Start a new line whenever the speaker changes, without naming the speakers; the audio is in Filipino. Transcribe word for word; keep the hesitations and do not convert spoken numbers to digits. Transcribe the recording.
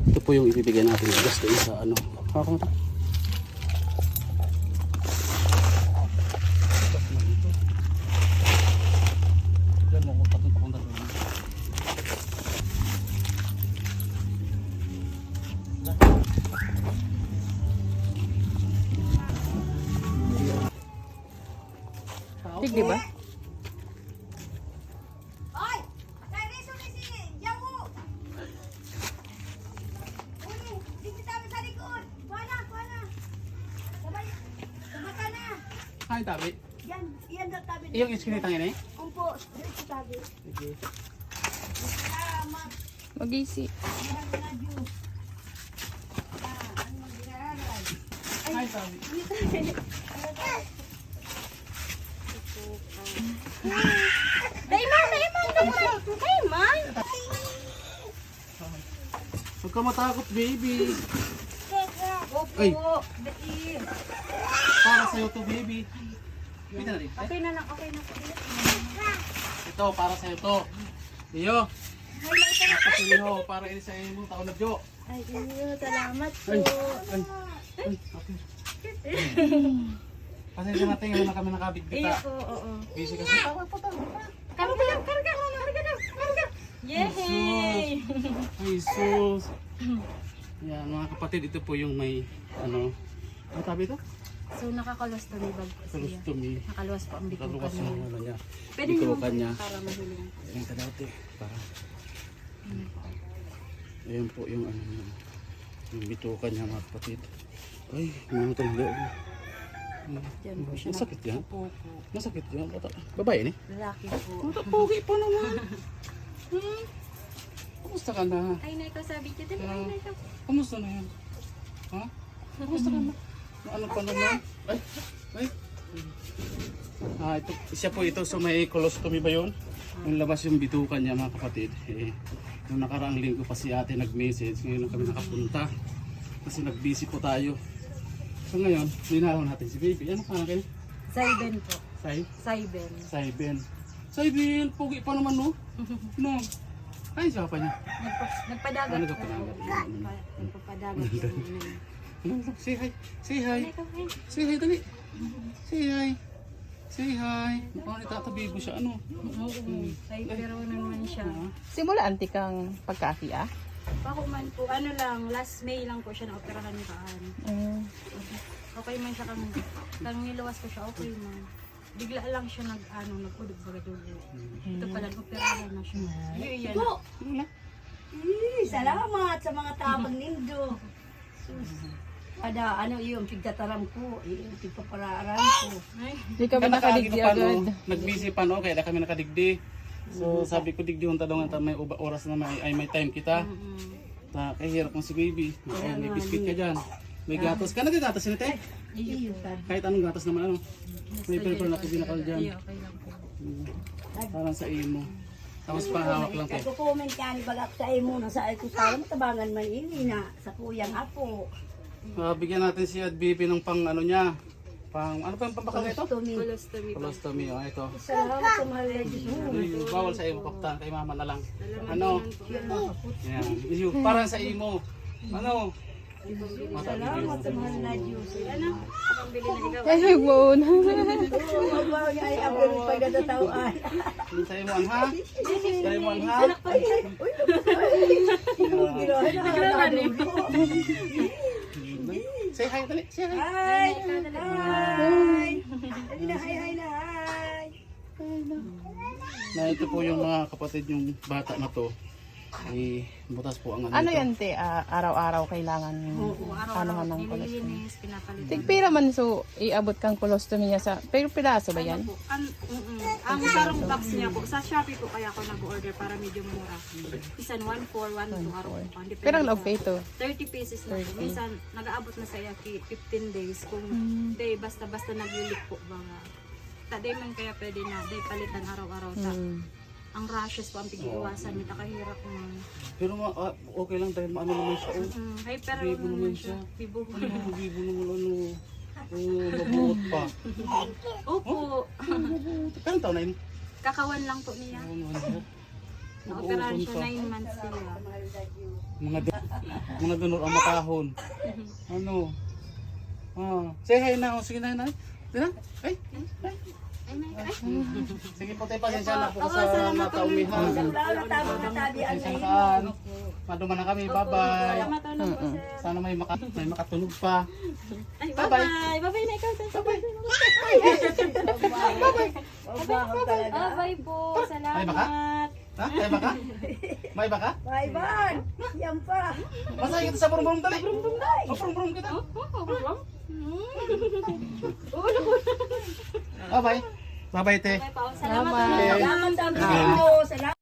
Ito po yung ibibigay natin bigas doon sa ano. Ako mo ito. Diyan mo kung patong papunta doon.
Tig, di ba?
Oy! Nariso na si Jamu! Uli, dito tayo sa likod. Kuha kuha na. Sabay, sabata na.
Ay, tabi.
Yan, yan daw tabi.
Iyong iskinitang yun eh?
Umpo, dito tabi.
Sige.
Salamat.
Mag-isi.
Yan na juice. Ah, ano mo ginagawa?
Ay, tabi.
Dayman, dayman, dayman. Dayman.
Huwag ka matakot, baby.
Opo,
Ay.
dati.
Para sa'yo to, baby. Pita na rin.
Okay na lang, okay na.
Ito, para sa'yo to. Iyo. Tapos iyo, para ini sa'yo mo, taon na Jo.
Ay, iyo, salamat po.
Ay, ay, ay, okay. Pasensya natin, ngayon na kami nakabigbita.
Iyo, oo.
Busy kasi. Tawag po, tawag po.
Karga lang, karga, karga lang, karga. Yay!
Ay, sus. Yan, mga kapatid, ito po yung may, ano, ano tabi ito?
So, nakakolostomy bag po siya.
Colostomy.
Nakaluwas po ang bitukan
Kaluwas
niya.
yung ano niya.
Pwede niyo
Bitukan niya.
para mahiling.
Ayan ka dati. Para. Ayan po yung ano niya. Yung bitukan niya, mga kapatid. Ay, mga itong loob.
Diyan po siya.
Masakit yan?
Opo po.
Masakit yan. Bata. Babae ni?
Lalaki po.
Bata, pogi pa naman. Hmm? Kumusta ka na?
Ay, na ikaw sabi ko. Dali, ay, na ikaw.
Kumusta na yan? Ha? Kumusta ka na? Ano pa naman? Ay, ay. Ah, ito, isa po ito sa may colostomy ba yun? Yung labas yung bitukan niya, mga kapatid. Eh, nung nakaraang linggo pa si ate nag-message, ngayon lang kami nakapunta. Kasi nag-busy po tayo. So ngayon, linalaw natin si baby. Ano pa na kayo?
Saiben po.
Sai?
Saiben.
Saiben. Saiben, pogi pa naman no? No. Ay, siya pa niya.
Nagpa- Nagpadagat.
Ano nagpadagat?
Nagpa- Nagpapadagat yung ano.
Ano, say hi. Say hi.
Ay, ikaw, ay.
Say hi, dali. Say hi. Say hi. Mukhang nitatabi mo siya, ano?
Oo. Ay, pero naman siya.
Simula anti kang pagkaki ah.
Ako man po, ano lang, last May lang po siya na-operahan ni Kaan.
Mm.
Okay man siya kang, kang niluwas ko siya, okay man. Bigla lang siya nag, ano, nagudog baga dugo. Ito pala, operahan na siya. Yun yan.
Salamat sa mga tabang nindo. Sus. Ada ano yung pigtataram ko, yung pigpaparaaram ko.
Ay,
Di kami nakadigdi agad.
Nag-busy pa no, kaya na kami nakadigdi. So sabi ko digdi yung talong at may uba- oras na may, ay may time kita.
mm,
Ta kay hirap mo si baby. Ay, may biscuit ka diyan. May gatas ka, nagagatas ni te.
iyo po.
Kahit anong gatas naman ano. May paper na pinakal
Iyo,
diyan.
okay lang po.
Parang sa imo. Tapos pahawak lang te.
Nagko-comment ka ni balak sa imo na sa ako sa matabangan man ini na sa kuyang apo.
Uh, bigyan natin si Ad Bibi ng pang ano niya. Pang ano pa yung pampakal na ito?
Tumi.
Colostomy po.
Colostomy, oh ito.
Salamat sa mahal na Diyos mo.
Ay, bawal sa iyo, kaptan, kay mama na lang. Ano? Yan. Iyo, parang sa imo. Ano?
Salamat sa mahal na Diyos.
Ano? Pambili na ikaw.
Ay, nagbuon.
Oo, magbawa niya ay ako rin pagdatatawaan.
Sa imo ang ha? Sa imo ang ha?
Ay, ay, uy, ginawa na dulo.
Say hi, dali. Say hi.
Hi! Hi! Dali na, hi, hi na, hi!
Na ito po yung mga kapatid yung bata na to. Ay, butas po ang ano.
Ano
ito.
yan te? Ah, araw-araw kailangan
Oo,
ano
araw-araw
man ng colostomy.
nililinis, pinapalitan.
Tigpira man so iabot kang colostomy niya sa pero piraso ba yan?
Ano po, an, mm, mm. Ang sarong box niya po, sa Shopee po kaya ako nag-order para medyo mura. Isan one four, one two araw po. Depende
Pero ang
sa-
love kay ito.
thirty pieces na po. Minsan, nag-aabot na sa yaki fifteen days. Kung day, basta-basta naglilik po ba nga. Taday man kaya pwede na, day palitan araw-araw. Ta.
Mm.
Ang rashes po ang pag-iiwasan, may nakahirap man.
Pero ma ah, okay lang dahil maano naman siya. Oh.
Mm, hyper
Bibo
naman
naman
siya.
siya.
Bibo.
Ano, bibo naman ano. Oh, mabuot pa.
Opo.
Kailan taon na yun?
Kakawan lang po niya.
Ano naman siya?
Na-operahan siya nine months siya.
Mga Mga dunor ang makahon. Ano? Ah, say hi na. Sige na, na. Dina? Ay, ay.
Ay, may, ay.
Sige po tayo, pasensya na po
Oo,
sa
salamat po.
nataumihan.
Wala na tama na tabi ang
Pasensya na kaan. Maduman na kami, bye-bye.
Salamat ulit po, sir.
Sana may, maka, may makatunog pa.
Ay,
Bye-bye.
bye-bye. Bye-bye na ikaw, sir. Bye-bye.
Mabaho talaga.
Bye-bye po.
Ay, baka?
Salamat.
Ha? May baka? May baka?
Bye, Van. Yan pa.
Masaya kita sa burong-burong dali. Oh, burong-burong kita. Bye-bye. Bye-bye, te.
Bye po. Salamat.
Salamat.
Salamat ang Nindo. Salamat.